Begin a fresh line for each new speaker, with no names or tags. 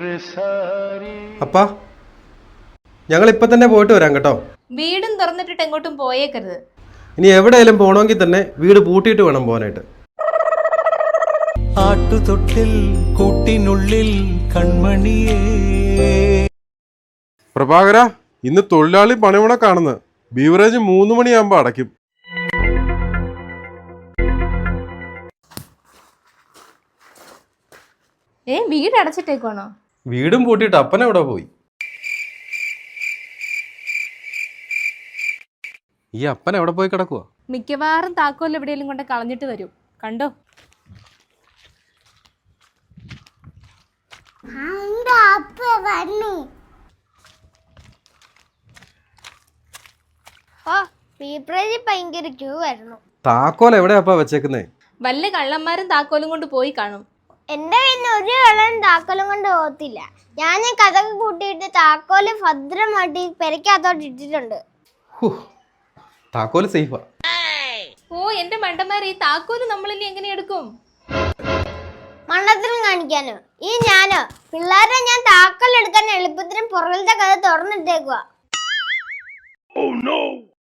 അപ്പാ ഞങ്ങൾ ഇപ്പൊ തന്നെ പോയിട്ട് വരാം കേട്ടോ.
വീടും തുറന്നിട്ടിട്ട് എങ്ങോട്ടും പോയേക്കരുത്.
ഇനി എവിടെയെങ്കിലും പോകണമെങ്കിൽ തന്നെ വീട് പൂട്ടിയിട്ട് വേണം പോകാനായിട്ട്.
ആട്ടുതൊട്ടിൽ കൂട്ടിനുള്ളിൽ കൺമണിയേ.
പ്രഭാകര, ഇന്ന് തൊഴിലാളി പണിമുടക്കാണെന്ന്. ബീവറേജ് 3 മണിയാകുമ്പോ അടയ്ക്കും.
വീട് അടച്ചിട്ടേക്കുവാണോ?
വീടും പൂട്ടിയിട്ട് അപ്പൻ എവിടെ പോയി? ഈ അപ്പൻ എവിടെ പോയി കിടക്കുവാ?
മിക്കവാറും താക്കോൽ എവിടെയെങ്കിലും കൊണ്ട് കളഞ്ഞിട്ട് വരും. കണ്ടോ?
താക്കോൽ എവിടെയാപ്പാ വെച്ചേക്കുന്നേ?
വല്ല കള്ളന്മാരും താക്കോലും കൊണ്ട് പോയി കാണും.
എന്റെ പിന്നെ ഒരു കള്ളൻ താക്കോലും കൊണ്ട് പോകത്തില്ല. ഞാൻ കഥക്ക് കൂട്ടിയിട്ട് താക്കോല് ഭദ്രമായിട്ട് പെരക്കകത്തോട്ട് ഇട്ടിട്ടുണ്ട്.
താക്കോല് സേഫാ.
എന്റെ മണ്ടന്മാരെ, ഈ താക്കോല് നമ്മളിനി എങ്ങനെ എടുക്കും?
മണ്ടത്തിനും കാണിക്കാനോ? ഈ ഞാനോ പിള്ളേരെ ഞാൻ താക്കോൽ എടുക്കാൻ എളുപ്പത്തിനും പുറകിലത്തെ കഥ തുറന്നിട്ടേക്കുവാ.